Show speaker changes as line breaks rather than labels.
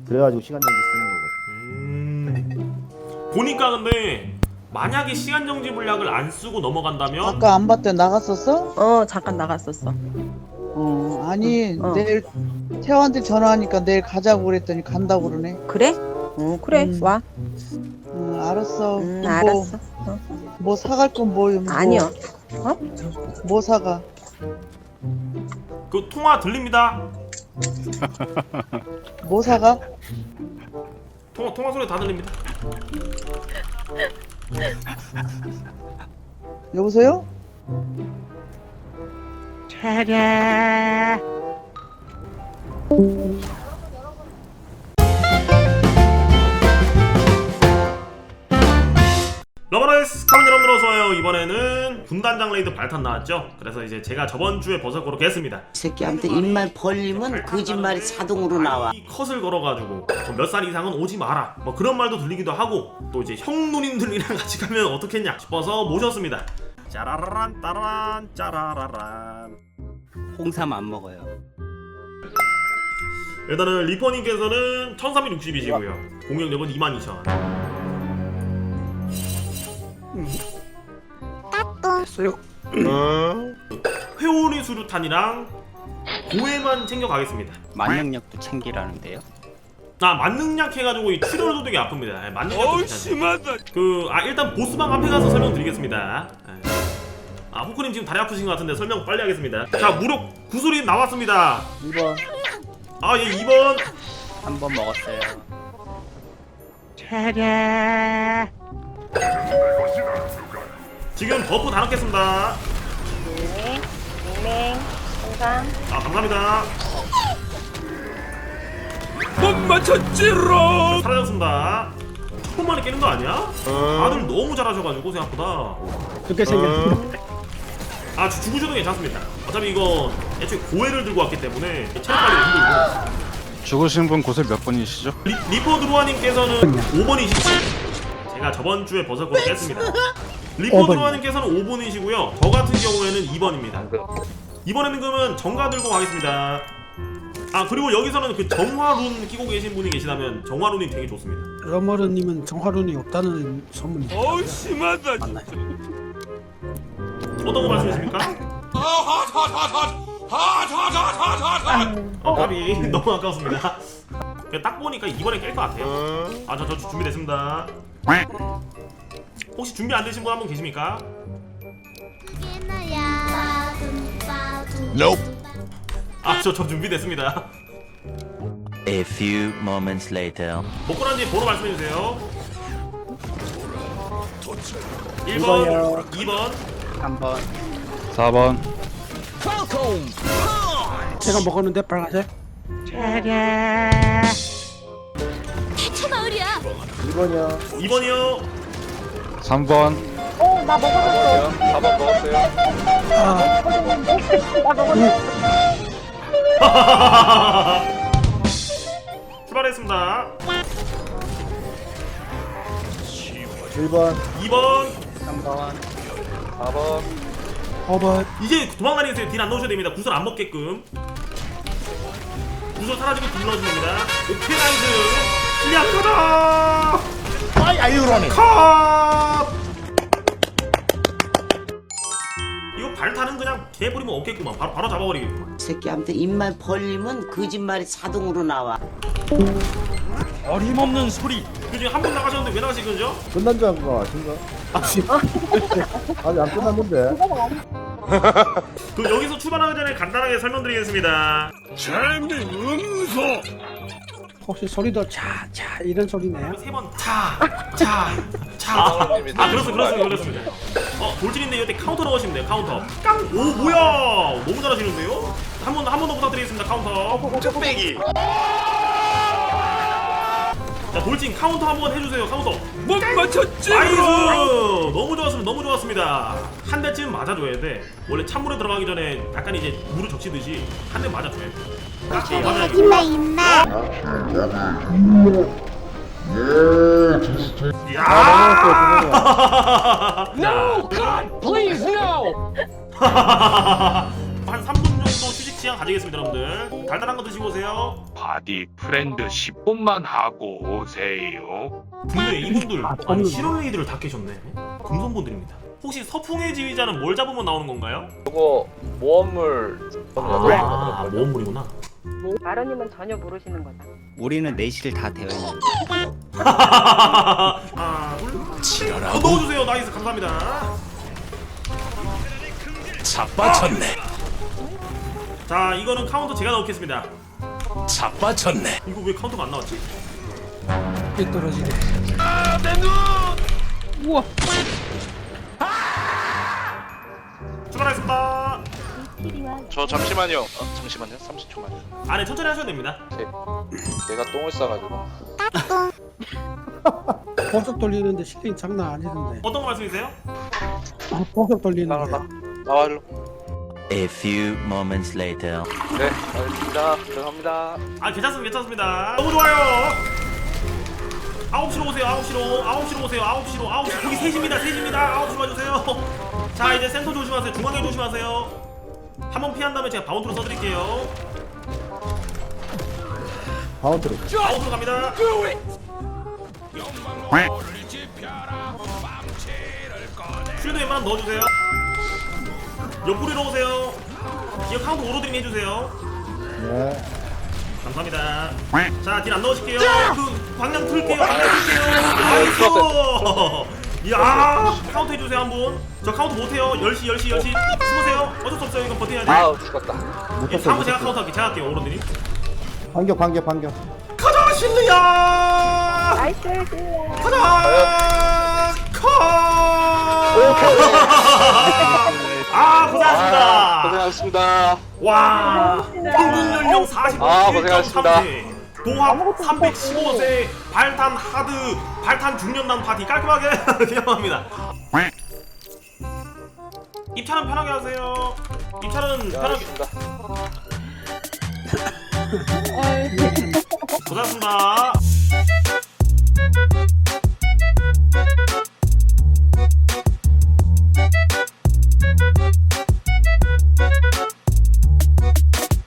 그래가지고 시간 정지 쓰는 거거든.
보니까 근데 만약에 시간 정지 물약을 안 쓰고 넘어간다면
아까 안 봤대 나갔었어?
잠깐 나갔었어.
아니
어.
내일 태화한테 전화하니까 내일 가자고 그랬더니 간다고 그러네.
그래? 그래. 와.
알았어. 그럼
알았어.
뭐 사갈 건 뭐?
아니요.
뭐 사가?
그 통화 들립니다.
뭐 사가?
통화 소리 다 들립니다.
여보세요?
러버라이스 카면 여러분들 어서와요. 이번에는 군단장 레이드 발탄 나왔죠. 그래서 이제 제가 저번주에 버섯 고렇게 했습니다.
이 새끼한테 입만 벌리면 거짓말이 자동으로 나와.
이 컷을 걸어가지고 몇 살 이상은 오지 마라 뭐 그런 말도 들리기도 하고 또 이제 형 누님들이랑 같이 가면 어떻겠냐 싶어서 모셨습니다. 짜라라란 따라란 짜라라란.
홍삼 안 먹어요.
일단은 리퍼님께서는 1360이시고요 공격력은 22,000.
됐어요.
회오리 수류탄이랑 고해만 챙겨가겠습니다.
만능력도 챙기라는데요.
만능약 해가지고 이 출혈도 되게 아픕니다. 만능약 심하다. 일단 보스방 앞에 가서 설명드리겠습니다. 호크님 지금 다리 아프신 것 같은데 설명 빨리 하겠습니다. 자, 무력 구슬이 나왔습니다.
2번.
예, 2번.
한 번 먹었어요.
지금 버프 다 넣겠습니다.
네. 항상.
감사합니다. 못 맞췄지롱. 사라졌습니다. 첫 번만에 깨는 거 아니야? 다들 너무 잘하셔가지고 생각보다.
그렇게 생겼어.
죽으셔도 괜찮습니다. 어차피 이거 애초에 고해를 들고 왔기 때문에 체력 관리가 힘들고.
죽으신 분 곳을 몇 분이시죠?
리퍼 드루아님께서는 5번이시고 제가 저번주에 버섯 고를 깼습니다. 리퍼 드루아님께서는 5번이시고요 저 같은 경우에는 2번입니다. 이번에는 그러면 정가 들고 가겠습니다. 그리고 여기서는 그 정화룬 끼고 계신 분이 계시다면 정화룬이 되게 좋습니다.
러머르님은 정화룬이 없다는 소문이.
심하다. 어떤 거 말씀이십니까? 답이 너무 아까웠습니다. 딱 보니까 이번에 깰 것 같아요. 저 준비됐습니다. 혹시 준비 안 되신 분 한 분 계십니까? 저 준비됐습니다.
A few moments later.
먹고 난 뒤에 번호 말씀해주세요. 1번, 2번,
3번.
4번.
제가 먹었는데 빨간색.
마을이야.
2번이요.
2번이요.
3번.
나 먹었어.
4번 먹었어요.
나 먹었어.
출발했습니다.
1번.
2번.
3번. 4번.
5번.
이제 도망다니세요. 딜 안 넣으셔야 됩니다. 구슬 안 먹게끔. 구슬 사라지고 딜 넣으시면 됩니다. 오케이 나이스. 실리아카다.
아이유로네.
컷. 이거 발타는 그냥 개버리면 없겠구만. 바로 잡아버리겠구만.
이 새끼한테 입만 벌리면 거짓말이 자동으로 나와.
어림없는 소리.
지금 한 분 나가셨는데 왜 나가신 거죠?
끝난 줄 알고 아신가? 아직 안 끝났는데.
여기서 출발하기 전에 간단하게 설명드리겠습니다.
혹시 소리도 차차 이런 소리네요?
3번 차. 그렇습니다. 돌진인데 이때 카운터 넣으시면 돼요. 카운터. 오 뭐야? 너무 잘하시는데요? 한 번 더 부탁드리겠습니다. 카운터. 뚝배기. 자 돌진 카운터 한번 해주세요. 카운터. 못 맞췄지. 나이스. 너무 좋았습니다. 한 대쯤 맞아줘야 돼. 원래 찬물에 들어가기 전에 약간 이제 물을 적시듯이 한 대 맞아줘야 돼.
있나 있나.
No, God, please no. 한 3분 정도 휴식 취한 시간 가지겠습니다 여러분들. 달달한 거 드시고 오세요.
바디 프렌드 10분만 하고 오세요.
근데 이분들 아니
없는데.
실험레이드를 다 깨셨네. 금손분들입니다. 혹시 서풍의 지휘자는 뭘 잡으면 나오는 건가요?
그거 모험물
아 모험물이구나.
마로님은 전혀 모르시는 거다.
우리는 내실 다 되어 있는.
하나 둘 넣어주세요. 나이스 감사합니다.
자빠졌네.
자 이거는 카운터 제가 넣겠습니다.
자빠졌네.
이거 왜 카운터가 안 나왔지?
삐 떨어지네.
우와.
출발하겠습니다.
저 잠시만요. 잠시만요. 30초만요.
안에 천천히 하셔도 됩니다.
걔가 똥을 싸가지고.
보석 돌리는데 실력이 장난 아니던데.
어떤 거 말씀이세요?
보석 돌리는데.
나와 일로.
A few moments later.
네, 알겠습니다. 들어갑니다.
아 괜찮습니다. 너무 좋아요. 9시로 오세요. 9시로 오세요. 9시로 거기 셋입니다. 9시로 와주세요. 자 이제 센터 조심하세요. 중앙에 조심하세요. 한번 피한 다음에 제가 바운드로 써드릴게요.
바운트로.
바운드로 갑니다. 쉴드 웬만하면 넣어주세요. 옆구리로 오세요. 기어 카운트 오로드링 해주세요.
네.
감사합니다. 자, 딜 안 넣으실게요. 그 방향 틀게요. 나이스. 이야, 카운트 해주세요 한 분. 저 카운트 못해요. 10시 숨으세요. 어쩔 수 없어요. 이건 버텨야 돼.
아우 죽었다.
예, 다음은 제가 카운트 할게요. 제가 할게요. 오로드님.
반격.
가자 실루야.
나이스 실루야.
가자 아 고생하셨습니다.
고생하셨습니다.
와 평균 연령 41.3세 도합 315세 발탄 하드 발탄 중년단 파티 깔끔하게 진행합니다. 입찰은 편하게 하세요. 입찰은 편하게. 고생하셨습니다.